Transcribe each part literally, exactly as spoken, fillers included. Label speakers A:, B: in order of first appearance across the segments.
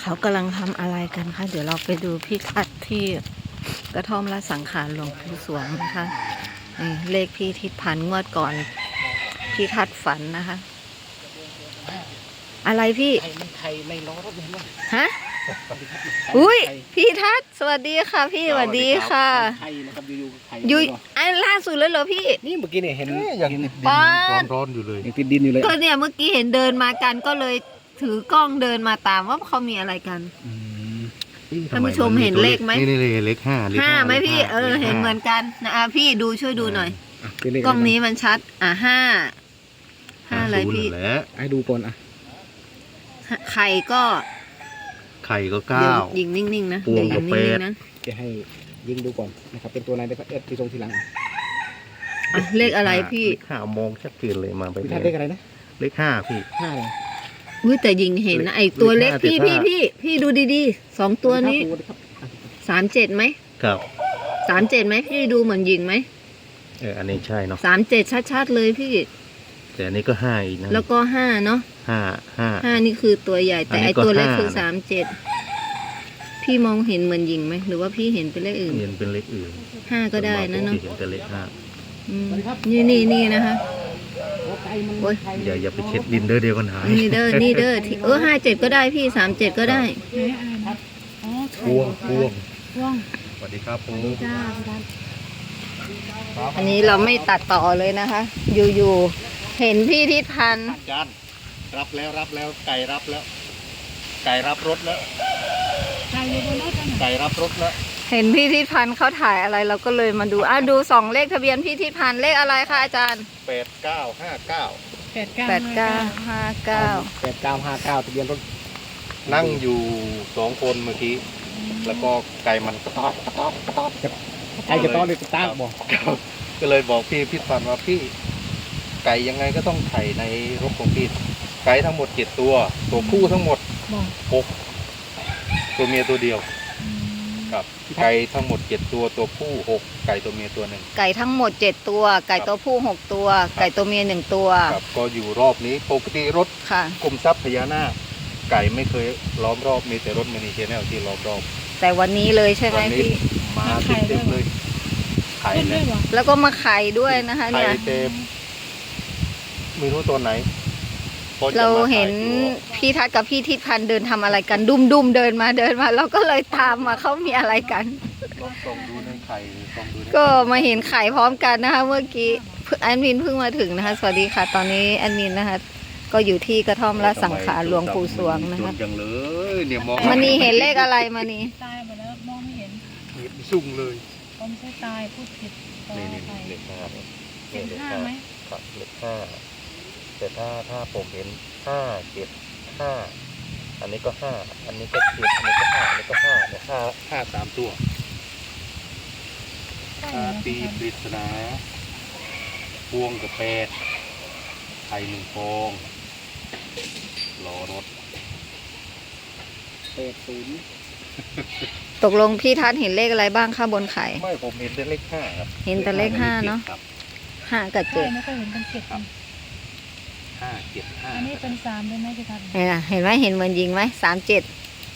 A: เขากำลังทำอะไรกันคะเดี๋ยวเราไปดูพี่ทัดที่กระท่อมละสังขารหลวงปู่สวงนะคะนี่เลขพี่ทิศพันงวดก่อนพี่ทัดฝันนะคะ อะไรพี่
B: ไข่มันไข่ในล้อรถเห็นไหม
A: ฮะอุ้ยพี่ทัดสวัสดีค่ะพี่สวัสดีค่ะ
B: ไข่นะครับอยู่ๆไข่
A: ยุยไอ้ล่าสุดเลยเหรอพี่
B: นี่เมื่อกี้เนี่ยเห็น
C: ยังติดดินร้อนๆอยู่เลย
B: ยังติดดินอยู่เลย
A: ก็เนี่ยเมื่อกี้เห็นเดินมากันก็เลยถือกล้องเดินมาตามว่าเขามีอะไรกันท่านผู้ชมเห็นเลขไหม
C: นี่นี่เลขห้า
A: ห้าไหมพี่เออเห็นเหมือนกันนะอ่ะพี่ดูช่วยดูหน่อยกล้องนี้มันชัดอ่ะห้าห้าอะไรพี่
B: ไอ้ดูก่อนอ่ะ
A: ไข่ก็
C: ไข่ก็เก้า
A: ยิงนิ่งๆนะเดี๋ยวยิงนิ่งๆนะ
B: จะให้ยิงดูก่อนนะครับเป็นตัวไหนได้ก็เอ็ดที่ตรงทีหลัง
A: อ่ะเลขอะไรพี่
C: ห้ามองชัดเจนเลยมาไป
B: พี่ทัดเลขอะไรนะ
C: เลขห้าพี่
B: ห้าเลย
A: อุ้ยแต่ยิงเห็นนะไอตัวเลขพี่พี่พี่พี่ดูดีๆสองตัวนี้สามเจ็ดไหม
C: ครับ
A: สามเจ็ดไหมพี่ดูเหมือนยิงไหม
C: เอออันนี้ใช่เนาะ
A: สามเจ็ดชัดๆเลยพี่
C: แต่อันนี้ก็ห้าอีกนะ
A: แล้วก็ห้าเนาะ
C: ห้าห้า
A: ห้านี่คือตัวใหญ่แต่ไอตัวเล็กคือสามเจ็ดพี่มองเห็นเหมือนยิงไหมหรือว่าพี่เห็นเป็นเลขอื่น
C: เห็นเป็นเลขอื่น
A: ห้าก็ได้นะเนาะ
C: เห็นเป็นเลขห้า
A: นี่นี่นี่นะคะ
C: โอ้ยอย่าอย่าไปเช็ดดินเด้อเดียวกันหาย
A: นี่เด้อนี่เด้อเออห้าเจ็ดก็ได้พี่สามเจ็ดก็ได้
C: พวงพวงสวัสดีครับผม
A: อันนี้เราไม่ตัดต่อเลยนะคะอยู่ๆเห็นพี่ทิศพันธ์
C: จานรับแล้วรับแล้วไก่รับแล้วไก่รับรถแล้วไก่อยู่บนรถไก่รับรถแล้ว
A: เห็นพี่ทิศพันธ์เขาถ่ายอะไรเราก็เลยมาดูอ่ะดูสองเลขทะเบียนพี่ทิศพันธ์เลขอะไรคะอาจารย์
C: แปดเก้าห้าเก้า
A: แปดเก้าแปดเก้าห้าเก้า
B: แปดเก้าห้าเก้าทะเบียนรถ
C: นั่งอยู่สองคนเมื่อกี้แล้วก็ไก่มันกระต๊อบกระต๊อบกระต๊อบ
B: ไก่กระต๊อบเลยกระต๊อบบอก
C: ก็เลยบอกพี่พิพันธ์ว่าพี่ไก่ยังไงก็ต้องไข่ในรถของพี่ไก่ทั้งหมดเจ็ดตัวตัวผู้ทั้งหมดหกตัวเมียตัวเดียวครับไก่ทั้งหมดเจ็ดตัวตัวผู้หกไก่ตัวเมียตัวหนึ่ง
A: ไก่ทั้งหมดเจ็ดตัวไก่ตัวผู้หกตัวไก่ตัวเมียหนึ่งตัว
C: ครับก็อยู่รอบนี้ปกติรถกรมทรัพย์พญานาคไก่ไม่เคยล้อมรอบมีแต่รถมินิเชนแนลที่ล้อมรอบ
A: แต่วันนี้เลยใช่ไหมพี่
C: มาเต็มเลยไข่เลย
A: แล้วก็มาไข่ด้วยนะคะเนี่ย
C: ไข่เต็มไม่รู้ตัวไหน
A: เราเห็นพี่ทัศน์กับพี่ทิศพันธ์เดินทำอะไรกันดุมดุมเดินมาเดินมาเราก็เลยตามมาเขามีอะไรกันก็มาเห็นไข่พร้อมกันนะคะเมื่อกี้แอดมินเพิ่งมาถึงนะคะสวัสดีค่ะตอนนี้แอดมินนะคะก็อยู่ที่กระท่อมละสังขารหลวงปู่สวงนะคะมันนี่เห็นเลขอะไรมานี่
D: ตายหมดแล้วมองไม่เห็น
C: เห็นสุ่งเลย
D: ผมไม่ใช่ตายพูดผิด
C: นี่นี่เลขห้า
D: เป็นห้าไหม
C: ครับเลขห้าแต่ถ้าถ้าผมเห็นห้าเจ็ดห้าอันนี้ก็ห้าอันนี้ก็เจ็ดอันนี้ก็ห้าอันนี้ก็ห้าเนี่ยห้าห้าสามตัวตีปริศนาพวงกับแปดไข่หนึ่งฟองรอรถ
B: แปดศูนย์
A: ตกลงพี่ทัศน์เห็นเลขอะไรบ้างคะบนไข่
C: ไม่ผมเห็นแต่เลขห้าครับ
A: เห็นแต่เลขห้าเนาะห้ากับเจ็ด
D: ไม่เคยเห็นเป็นเจ็ด
C: ห้าเจ็ดห้า
D: อันนี้เป็นสามได้ไหมพี่ทัศน์
A: เห็นไหมเห็นเหมือนยิงไหมสามเจ็ด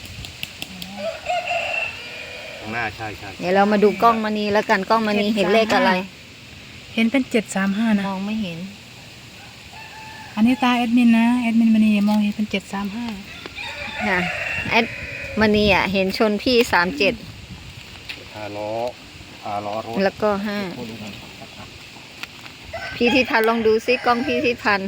C: ข้างหน้าใช่ใช่
A: เดี๋ยวเรามาดูกล้องมณีแล้วกันกล้องมณีเห็นเลขอะไร
D: เห็นเป็นเจ็ดสามห้านะ
A: มองไม่เห็น
D: อันนี้ตาแอดมินนะแอดมินมณีมองเห็นเป็นเจ็ดสามห้า
A: ค่ะแอดมณีอ่ะเห็นชนพี่สามเจ็ด
C: ห้าล้อห้าล้อรถ
A: แล้วก็ห้าพี่ทิศพันธ์ลองดูซิกล้องพี่ทิศพันธ์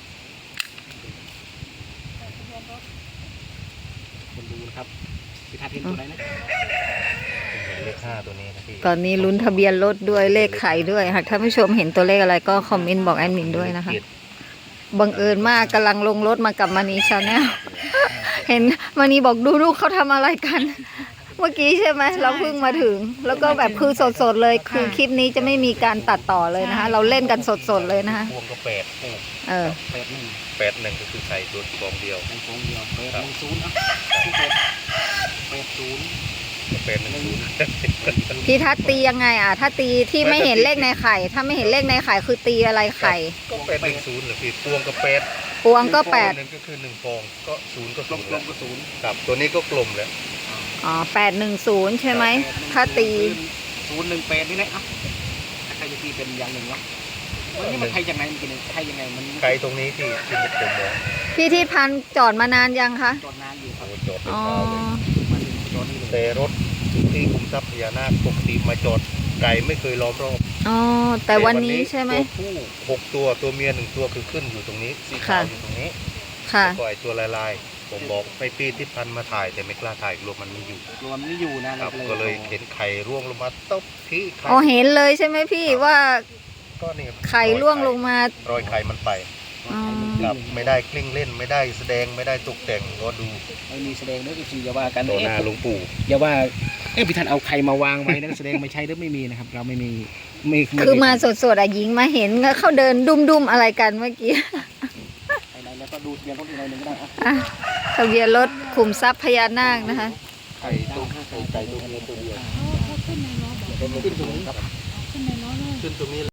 B: คนดูนะครับพี่ทัศน์เห็นตัวไหนนะ
C: เลขห้าตัวนี้นะพี่
A: ตอนนี้ลุ้นทะเบียนรถด้วยเลขไข่ด้วยหากท่านผู้ชมเห็นตัวเลขอะไรก็คอมเมนต์บอกแอดมินด้วยนะคะบังเอิญมากกำลังลงรถมากับมณีชาแนลเห็นมณีบอกดูลูกเขาทำอะไรกันเมื่อกี้ใช่ไหมเราเพิ่งมาถึงแล้วก็แบบคือสดๆเลยคือคลิปนี้จะไม่มีการตัดต่อเลยนะคะเราเล่นกันสดๆเลยนะคะ
C: พวงก็แปด
A: เออ
C: แปดหนึ่งแปดหนึ่งก็คือใส่ตัวฟองเดียว
B: ฟองเดียวแปดหนึ่งศูนย์อ่ะแปดศูนย์
C: แปดหนึ่งศูนย์
A: พี่ทัศน์ตียังไงอ่ะถ้าตีที่ไม่เห็นเลขในไข่ถ้าไม่เห็นเลขในไข่คือตีอะไรไข่
C: ก็แปดหนึ่งศูนย์หรือพี่พวงก็แปด
A: พวงก็แปด
C: หนึ่งก็คือหนึ่งฟองก็ศูนย์ก็
B: กล
C: ศู
B: ม
C: นย์
B: กล
C: แล้ว
B: มก็ศูนย์
C: ครับตัวนี้ก็กลมแล้ว
A: อ๋อแปดหนึ่งศูนย์ใช่ไหมถ้าตี
B: ศูนย์หนึ่งแปดนี่แหละอ่ะใครจะตีเป็นอย่างหนึ่งวะวันนี้มันใครยังไงมันกินใครยังไงมัน
C: ไกลตรงนี้ที่ที่ผมมอง
A: พี่ทิศพันธ์จอดมานานยังคะ
B: จอดนานอยู่ครั
C: โอ้
B: บ
C: จอดเป็น
A: อ๋อ
C: เช้าเลย
B: มาถึงจอดนี่เลย
C: แต่รถที่คุมทรัพย์พญานาคปกติมาจอดไก่ไม่เคยล้อมรอบ
A: อ๋อแต่วันนี้ใช่ไหม
C: ตัวผู้หกตัวตัวเมียหนึ่งตัวคือขึ้นอยู่ตรงนี้สีขาว
A: ค่ะ
C: อยู่ตรงนี้
A: ค่ะ
C: แล้วก็ไอตัวลายๆผมบอกให้พี่ทิศพันธ์มาถ่ายแต่ไม่กล้าถ่ายกลัวมันไม่อยู่
B: รวมไม่อยู่นะครับ
C: ก็เลยเห็นไข่ร่วงลงมาตบที่ไข่
A: อ๋อเห็นเลยใช่ไหมพี่ว่า
C: ก็นี่
A: ไข่ร่วงลงมา
C: รอยไข่มันไป
A: อ๋อ
C: ครับไม่ได้กลิ้งเล่นไม่ได้แสดงไม่ได้ตกแต่งก็ดู
B: ไม่มีแสดงเด้ออีกทีอย่าว่ากัน
C: ต่อหน้าหลวงปู่
B: อย่าว่าเอ๊ะพี่ท่านเอาใครมาวางไว้นะแสดงไม่ใช่หรือไม่มีนะครับ เราไม่มีไม่ไ
A: คือมาสดๆอะหญิงมาเห็นแล้วเขาเดินดุมๆอะไรกันเมื่อกี้
B: ไหนๆแล้วก็ดูทะเบียนรถอีกหน่อยหนึ่งก็ได้อ่ะ
A: อ่ะทะเบียนรถขุมทรัพย์พญานาคนะคะ
C: ไข่ตัวไข่ไก่ตัวเมียตัวเดียว
D: เขาเขาขึ้นในล้อบอก
C: ขึ้นตรงนี้ครับ
D: ขึ้นในล้อเลย
C: ขึ้นตรงนี้